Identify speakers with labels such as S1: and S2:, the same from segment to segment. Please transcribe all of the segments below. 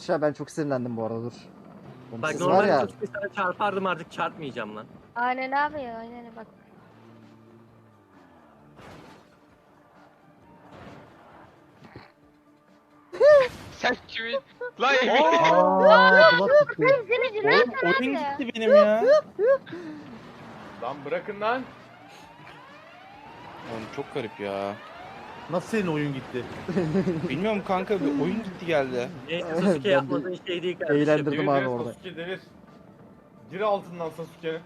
S1: Barış abi ben çok sinirlendim bu arada dur. Oğlum
S2: Bak
S1: siz var
S2: normalde
S1: ya.
S2: Sasuke sana çarpardım, artık çarpmayacağım lan.
S3: Aynen abi ya, aynen bak.
S4: Sen kimin? Lan Emir.
S5: Bulat gitti.
S3: Seni
S6: Oğlum
S3: nereden abi
S6: oyun
S3: ya?
S6: gitti benim ya.
S7: Lan bırakın lan.
S6: Oğlum çok garip ya.
S5: Nasıl senin oyun gitti?
S6: Bilmiyorum kanka, bir oyun gitti geldi.
S2: Neyse
S1: Ben
S2: Sasuke
S1: de
S2: yapmadığın şey değil kardeşim.
S1: eğlendirdim
S7: Demir
S1: abi
S7: Demir
S1: orada.
S7: Sasuke Demir. Gir altından Sasuke'nin.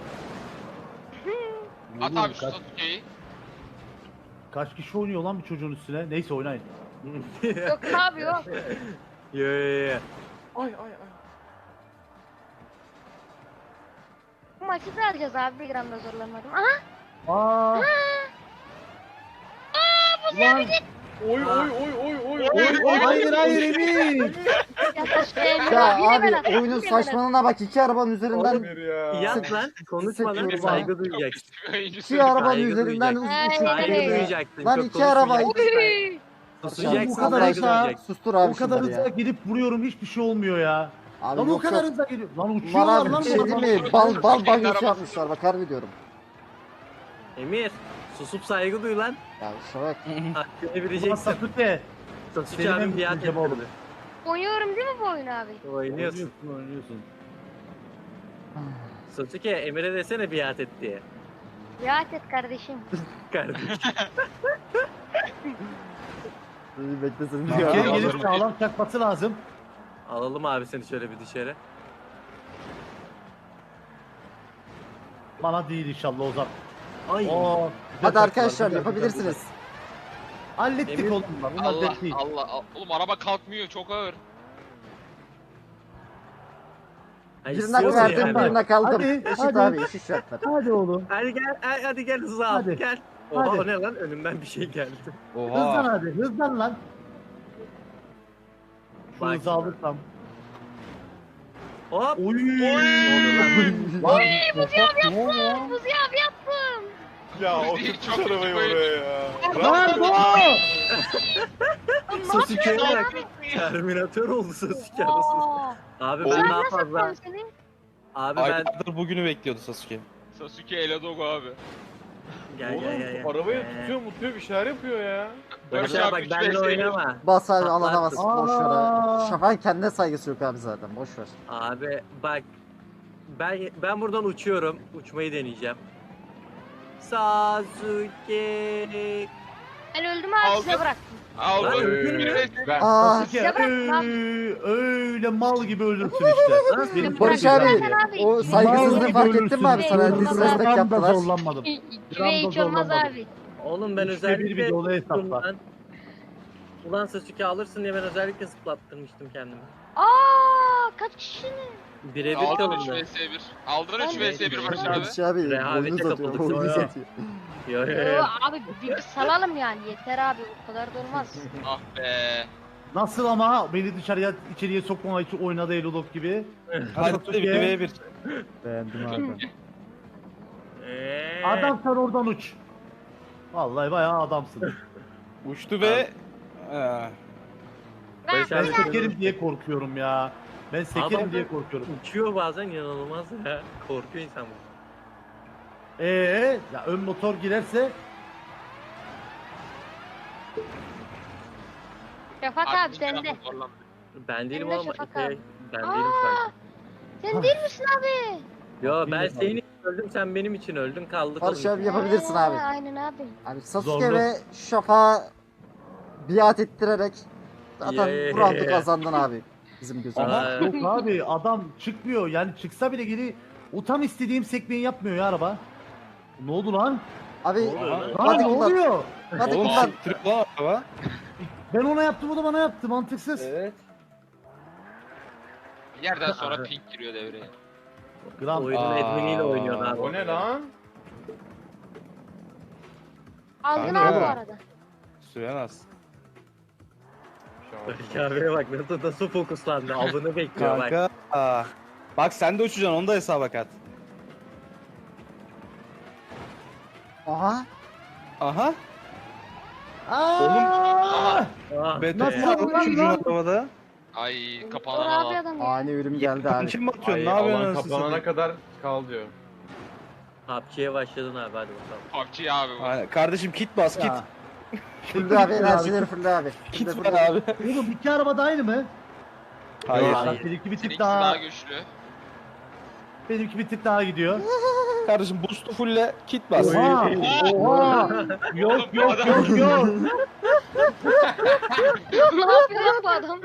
S4: At abi şu Sasuke'yi.
S5: Kaç kişi oynuyor lan bir çocuğun üstüne? Neyse oynayın.
S3: Yok abi yok.
S2: Yo yo yo.
S7: Ay ay ay.
S3: Bu maçı da alacağız abi, bir gram da zorlanmadım. Aha.
S5: Aa. Ulan,
S7: Oy oy oy oy oy oy.
S5: hayır hayır Emir.
S1: Ya abi oyunun saçmalığına bak, iki arabanın üzerinden
S7: Emir ya.
S2: Yap lan, konuşma lan,
S1: Sıkıyorum
S2: saygı duyacaksın.
S1: iki arabanın
S2: Saygı
S1: üzerinden
S2: duyacaksın.
S3: Ay,
S2: Saygı
S3: ay.
S2: duyacaksın.
S1: Lan
S2: çok
S1: iki arabayı.
S3: Oy.
S2: Susacaksın,
S5: Bu kadar
S2: saygı
S5: hızlı.
S2: duyacaksın.
S1: Sustur abi
S5: O kadar
S1: şunları
S5: hızla
S1: ya.
S5: gidip vuruyorum, hiçbir şey olmuyor ya.
S1: Abi
S5: Lan o
S1: yok
S5: kadar
S1: yok.
S5: hızla geliyor. Lan
S1: Var
S5: uçuyorlar
S1: abi
S5: lan.
S1: bir şey
S5: bu
S1: değil
S5: adamlar.
S1: mi? Bal
S4: Kendi
S1: banyosu
S4: arabası.
S1: yapmışlar bak, harbi diyorum.
S2: Emir, susup saygı duy lan.
S1: Ya şuna bak.
S2: Hakkını
S5: Ulan
S2: bileceksin.
S5: Sasuke.
S2: Sasuke
S5: Senin
S2: abim
S5: en
S2: biat
S5: büyük cevabı.
S2: ettirdi.
S3: Oynuyorum değil mi bu oyunu abi?
S2: Oynuyorsun.
S5: Oynuyorsun.
S2: Sasuke, Emir'e desene biat et diye.
S3: Rahat et kardeşim.
S2: Kardeşim.
S1: İyi beklesin.
S5: Bir kere gelip sağlam çakması lazım.
S2: Alalım abi seni şöyle bir dışarı.
S5: Bana değil inşallah Ozan.
S2: Ay.
S5: Oo, güzel
S1: Hadi
S5: çaktılar,
S1: arkadaşlar
S5: güzel,
S1: yapabilirsiniz.
S5: güzel. Hallettik
S2: Emir-
S5: oğlum lan. Bunlar
S4: Allah
S5: dert değil.
S4: Allah. Oğlum araba kalkmıyor, çok ağır.
S2: Ay,
S1: Birine
S2: istiyorsun
S1: verdim,
S2: yani.
S1: birine kaldım.
S5: Hadi,
S1: Eşit
S5: hadi.
S1: abi, eşit şartlar.
S5: Hadi oğlum.
S2: Hadi gel, hadi gel hızlı al,
S5: Hadi.
S2: gel. Oha
S5: Hadi.
S2: o ne lan, önümden bir şey geldi.
S5: Hızlan
S6: Oha.
S5: hadi. Hızlan lan. Şu
S2: Bak.
S5: hızı alırsam.
S2: Hop.
S5: Oy.
S3: Oy Buzi abi yaptım. Buzi abi yaptım.
S7: Ya
S4: Çok
S7: oturtmuş
S4: kötü
S7: arabayı
S4: böyle.
S7: oraya ya.
S5: Lan bu.
S2: Sasuke'ye
S3: yapıyorsun
S2: bak. Terminatör oldu Sasuke arasında.
S3: Oo.
S2: Abi
S6: Oğlum,
S2: ben
S3: Ben
S2: daha
S3: nasıl
S2: fazla.
S3: yaptım seni?
S2: Abi ben
S6: Aylardır bugünü bekliyordu Sasuke.
S4: Sasuke Eladogo abi.
S2: gel gel gel.
S7: Oğlum arabayı
S2: Gel.
S7: tutuyor mutuyor bir şeyler yapıyor ya.
S2: Barış
S4: Barış
S2: abi bak
S4: abi,
S2: benimle
S4: üç vs bir.
S2: oynama.
S1: Bas abi,
S2: Patlarsın.
S1: alana bas. Boş ver abi. Şafak'ın kendine saygısı yok abi zaten, boş ver.
S2: Abi bak ben buradan uçuyorum. Uçmayı deneyeceğim. Sasuke.
S3: Ben öldüm abi, size
S4: Aldım.
S3: bıraktım.
S4: Aldım.
S2: Lan öldün mü?
S7: Ben.
S1: Aa,
S5: Sasuke
S3: Ya bırak lan.
S5: öyle mal gibi ölürsün işte.
S2: Lan
S5: Benim
S1: Barış
S3: Zaten
S1: abi,
S3: abi,
S1: o
S3: iki-
S1: saygısızlığı
S5: Mal
S1: fark
S5: gibi
S1: ettin mi abi?
S5: ölürsün.
S1: Sana
S3: Ölürsün.
S1: disrespect
S5: Gram da
S1: yaptılar.
S5: zorlanmadım.
S3: İki ve hiç olmaz abi.
S2: oğlum ben
S5: Üçte bir
S2: özellikle
S5: videoda hesapla.
S2: Ulan- Ulan Sasuke alırsın diye ben özellikle zıplattırmıştım kendimi.
S3: Kaç kişinin?
S2: Birebir
S4: Aldın
S2: kalındı.
S4: 3 vs 1. Aldın 3 vs 1 Barış abi.
S1: Barış abi,
S2: Rehavete
S1: oyunu satıyor,
S2: kapıldık.
S1: oyunu
S2: Yo, yo.
S1: satıyor.
S2: Yo yo yo.
S3: Abi bir salalım yani, yeter abi, o kadar da olmaz.
S4: Ah be.
S5: Nasıl ama beni dışarıya içeriye sokmama için oynadı Elolok gibi.
S6: Hadi
S5: Sasuke.
S6: 1v1.
S5: Beğendim abi.
S2: Eee.
S5: Adam sen oradan uç. Vallahi bayağı adamsın.
S6: Uçtu ve...
S2: Barış
S5: Ben
S2: abi
S5: sekerim diye korkuyorum ya. Ben sekerim
S2: Adam-
S5: diye korkuyorum.
S2: uçuyor bazen, inanılmaz ya. Korkuyor insan bu.
S5: Ya ön motor girerse
S3: Şafak abi sende.
S2: Ben değilim
S3: Emre
S2: oğlum.
S3: Şafak
S2: Şey,
S3: abi.
S2: ben
S3: Aa!
S2: değilim sadece.
S3: Sen değil misin abi?
S2: Yo ben
S5: Değilim
S2: senin
S5: abi.
S2: için öldüm, sen benim için öldün, kaldık.
S1: Barış
S2: oğlum.
S1: abi yapabilirsin abi.
S3: Aynen abi.
S1: Abi Sasuke
S5: Zorlu.
S1: ve Şafak'a biat ettirerek zaten
S2: Yeah.
S1: bu roundu kazandın abi. Bizim gözümüzde.
S2: Aa,
S5: yok abi adam çıkmıyor yani çıksa bile geri o tam istediğim sekmeyi yapmıyor ya araba. Ne oldu lan?
S1: Abi
S2: oluyor lan?
S5: Lan
S1: hadi
S5: ne
S1: kullan.
S5: oluyor?
S1: Hadi
S6: Oğlum
S1: kullan.
S6: siktirip lan araba.
S5: Ben ona yaptım o da bana yaptı mantıksız.
S6: Evet.
S4: Bir yerden sonra pink giriyor devreye.
S5: Gram.
S2: Oyunun
S6: Aa.
S2: adminiyle oynuyorsun abi.
S7: O ne lan?
S3: Aldın
S6: Kanka.
S3: abi bu arada.
S6: Süremez.
S2: Barış abiye bak nasıl fokuslandı. Avını bekliyor bak.
S6: Kanka. Bak sen de uçacaksın, onu da hesaba kat.
S1: Aha.
S6: Aha.
S5: Aa!
S2: Ah
S6: Beton
S2: be.
S5: Nasıl?
S6: var
S5: Lan,
S6: çocuğun
S5: lan.
S6: arabada.
S4: Ay
S3: Dur
S4: kapanan
S3: abi
S4: alan.
S3: adam ya.
S1: Ani ürün geldi abi.
S6: Kim atıyorsun?
S7: Ay,
S6: Ne yapıyorsun?
S7: alan
S6: anasını
S7: kapanana
S6: satayım?
S7: kadar kal diyor.
S2: PUBG'ye başladın abi hadi bakalım.
S4: PUBG abi bu.
S6: Aynen. Kardeşim kit bas kit.
S5: Ya.
S1: Fırla abi enerjileri fırla abi.
S6: Kit
S1: Fırla,
S6: ver
S1: fırla.
S6: abi.
S5: Oğlum iki araba da aynı mı?
S6: Hayır.
S2: Yok.
S5: Bak benimki bir tık
S4: Seninkisi daha
S5: daha,
S4: güçlü.
S5: benimki bir tık daha gidiyor.
S6: Kardeşim boost'u fulle kit bas.
S5: Oha! Oha! Yok
S4: Oğlum, bu
S5: yok
S4: adam-
S5: yok yok.
S3: Ne yapıyor lan bu adam?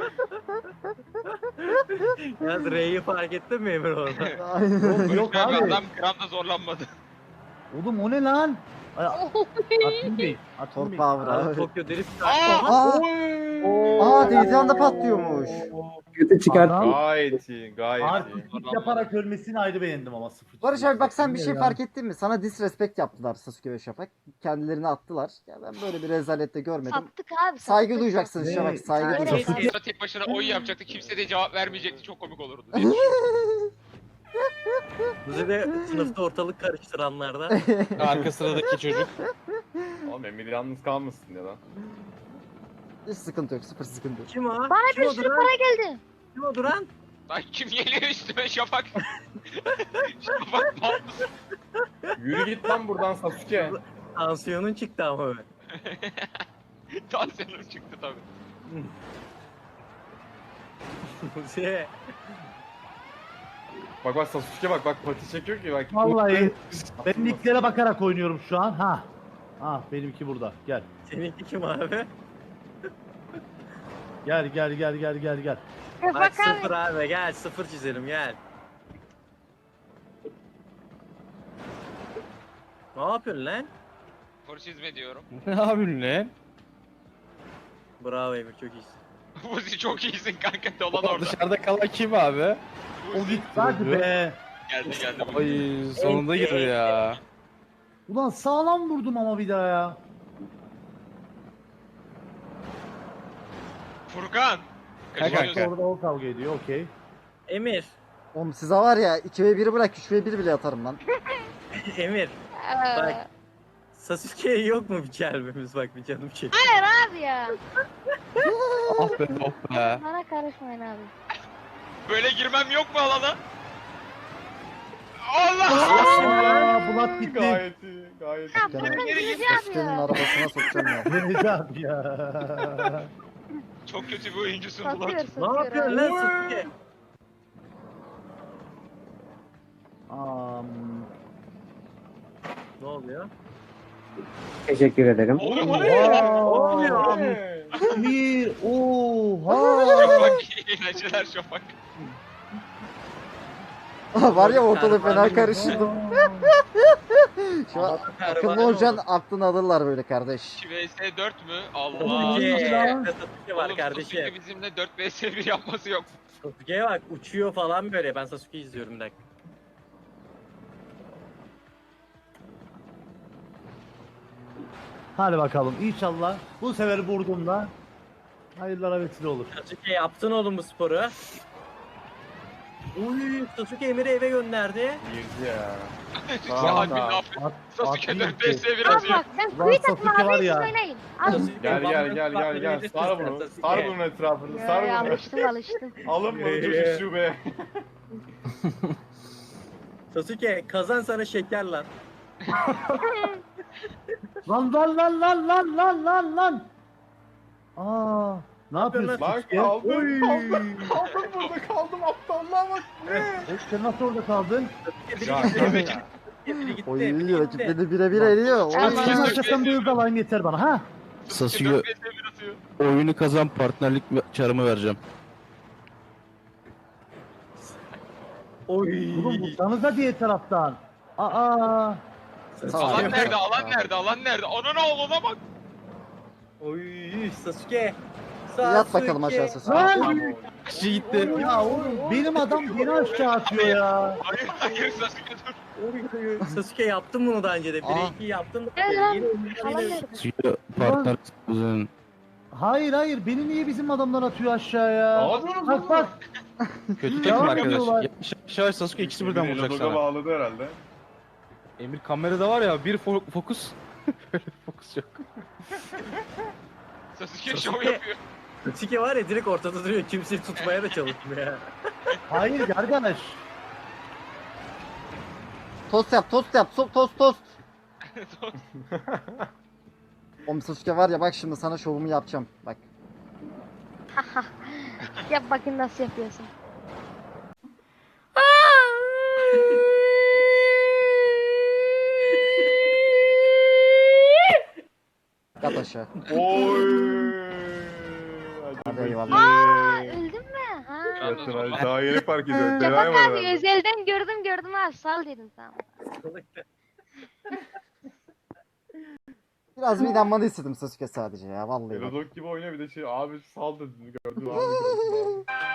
S2: Yalnız R'yi fark ettin mi Emir orada?
S1: Aynen.
S5: Yok
S4: Abi
S5: abi.
S4: adam gramda zorlanmadı.
S5: Oğlum o ne lan? Ay, Atın Bey. Atın
S1: Tor
S5: Bey.
S1: power
S2: Abi
S1: abi.
S2: Tokyo Drift.
S1: Aa! Aa Deyzan'da patlıyormuş.
S5: Adam
S7: Gayet iyi, gayet iyi.
S5: artistik yaparak ölmesini ayrı beğendim ama sıfır.
S1: Barış abi bak sen bir şey
S5: Ya.
S1: fark ettin mi? Sana disrespect yaptılar Sasuke ve Şafak. Kendilerini attılar. Ya ben böyle bir rezalette görmedim.
S3: Sattık abi.
S1: Saygı
S3: sattık.
S1: duyacaksınız
S5: Ne?
S1: Şafak. Saygı
S3: Evet.
S1: duyacaksınız.
S4: Sonra tek başına oyun yapacaktı. Kimse de cevap vermeyecekti. Çok komik olurdu diye düşünüyorum.
S2: Bizi de sınıfta ortalık karıştıranlardan.
S6: Arka sıradaki çocuk.
S7: Oğlum Emir yalnız kalmasın ya lan.
S1: Hiç sıkıntı yok. Sıfır sıkıntı yok.
S2: Kim o?
S3: Bana
S2: Kim
S3: bir
S2: o
S3: sürü
S2: duran?
S3: para geldi.
S2: Kim o duran?
S4: Lan kim geliyor üstüme Şafak? Şafak mal mısın?
S7: Yürü git lan buradan Sasuke.
S2: Tansiyonun çıktı ama be.
S4: Tansiyonum çıktı tabii.
S2: Şey,
S7: Bak bak Sasuke bak pati çekiyor ki bak.
S5: Vallahi ben nicklere bakarak oynuyorum şu an. Ha. Ah benimki burada. Gel.
S2: seninki kim abi?
S5: Gel gel gel gel gel gel.
S2: Bak
S3: Bak
S2: sıfır
S3: abi.
S2: abi gel sıfır çizelim gel. Ne yapıyorsun lan?
S4: Forşizme diyorum.
S6: Ne yapıyorsun lan?
S2: Bravo Emir çok iyisin.
S4: Buzi çok iyisin kanka dolan
S6: Ulan
S4: orada.
S6: dışarıda kalan kim abi?
S5: O gitti hadi be.
S4: Geldi geldi.
S6: Ay sonunda girdi ya.
S5: Ulan sağlam vurdum ama bir daha ya.
S4: Furkan.
S6: He
S4: Kaçıyorsun.
S6: kanka.
S5: Orada o kavga ediyor okey.
S2: Emir.
S1: Oğlum size var ya 2v1'i bırak 3v1 bile atarım lan.
S2: Emir.
S3: Ee,
S2: Bak. Sasuke'ye yok mu bir kelbimiz bak bir canım çek.
S3: Hayır abi ya.
S6: Ah be oh be.
S3: Bana karışmayın abi.
S4: Böyle girmem yok mu alana? Allah!
S5: Aa Bulat gitti.
S7: Gayet iyi, gayet
S3: Ya
S7: iyi.
S1: Gene
S3: bırakın
S4: geri
S3: Yüce
S4: git.
S3: abi
S1: Sasuke'nin
S3: ya.
S1: arabasına sokacağım ya.
S5: Deniz abi ya.
S4: Çok kötü bir oyuncusun
S3: Satıyor
S4: Bulat.
S2: Ne
S3: satıyor
S2: yapıyorsun
S3: abi.
S2: lan Sasuke?
S5: Am,
S2: Ne oluyor?
S8: Teşekkür ederim.
S4: Oğlum o
S5: Aa,
S4: ne?
S2: oluyor?
S7: Ne?
S5: Emir. Oha.
S4: Şafak iyi eğlenceler Şafak.
S1: Var ya ortalığı fena karıştırdım. Şu an akıllı olacaksın aklını alırlar böyle kardeş.
S4: 2 vs 4 mü? Allah.
S2: Sasuke.
S5: lan.
S2: Sasuke var
S4: Oğlum
S2: kardeşim.
S4: Sasuke bizimle 4 vs 1 yapması yok.
S2: Sasuke'ye bak uçuyor falan böyle. Ben Sasuke'yi izliyorum bir dakika.
S5: Hadi bakalım inşallah bu sefer vurduğumda hayırlara vesile olur.
S2: Sasuke yaptın oğlum bu sporu. Uy Sasuke Emir'i eve gönderdi.
S7: Girdi ya.
S4: Abi ne yapıyor?
S5: At-
S4: Sasuke
S5: atayım
S4: 4 vs 1
S3: Abi
S4: atıyor.
S3: bak sen
S5: Ulan
S3: kuyu takma
S5: Sasuke var
S3: abi siz
S5: ya.
S3: oynayın. Abi.
S2: Sasuke,
S7: Gel
S2: bana
S7: gel
S2: bak,
S7: sar bunu.
S2: Sasuke.
S7: Sar bunun etrafını, sar
S3: Ya,
S7: bunu.
S3: alıştım.
S7: Alın bunu çocuk şube.
S2: Sasuke kazan sana şeker lan.
S5: Lan lan lan lan lan lan lan lan. Aa, ne yapıyorsun?
S7: Lan
S5: Sasuke?
S7: kaldım,
S5: Oy.
S7: kaldım burada kaldım aptallığa bak. Ne?
S5: Sen nasıl orada kaldın?
S7: Ya,
S2: Biri gitti. Biri gitti.
S1: Oy
S2: biri gitti.
S1: rakiplerini bire ediyor. Oy.
S3: Tamam.
S5: Senin arkasından bir hız alayım yeter bana ha.
S4: Sasuke
S6: Sasuke
S4: 4 vs 1 atıyor.
S6: oyunu kazan partnerlik çarımı vereceğim.
S2: Oy.
S5: Oğlum vursanıza diye taraftan. Aa.
S1: Tamam.
S4: Alan nerede? Alan nerede? Alan nerede? Ana oğluna bak.
S2: Oy Sasuke.
S1: Yat bakalım aşağı Sasuke.
S5: Lan.
S6: Kişi gitti.
S5: Ya oğlum benim adam beni aşağı atıyor ya.
S4: Hayır hayır Sasuke dur.
S2: Oy, Sasuke yaptım bunu daha önce de. 1-2 yaptım.
S3: Gel lan.
S2: Yine-
S3: Falan nerede?
S6: Sasuke partner kuzen.
S5: Hayır hayır beni niye bizim adamlar atıyor aşağıya?
S7: Ne yapıyorsun
S5: Bak
S7: oğlum?
S5: bak.
S6: Kötü
S5: Devam
S6: takım arkadaş.
S5: ediyorlar.
S6: Yavaş yavaş Sasuke ikisi birden
S7: Emir
S6: vuracak
S7: Elodoga
S6: sana.
S7: bağladı herhalde.
S6: Emir kamerada var ya bir fokus. Böyle fokus yok.
S4: Sasuke şov yapıyor.
S2: Sasuke var ya direkt ortada duruyor. Kimseyi tutmaya da çalışmıyor ya.
S5: Hayır arkadaş.
S1: Tost yap, tost yap, tost. Oğlum Sasuke var ya bak şimdi sana şovumu yapacağım. Bak.
S3: Yap bakayım nasıl yapıyorsun.
S1: Yat aşağı.
S7: Oy.
S1: Hadi eyvallah.
S3: Aa öldün mü? Ha.
S7: Yatın hadi. Daha yeni fark ediyorum.
S3: Şafak
S7: Denay var
S3: abi
S7: herhalde.
S3: özelden gördüm abi sal dedim tamam.
S1: Biraz bir inanmanı istedim Sasuke sadece ya vallahi bak.
S7: Elodok gibi oynuyor bir de şey abi sal dedi gördüm abi.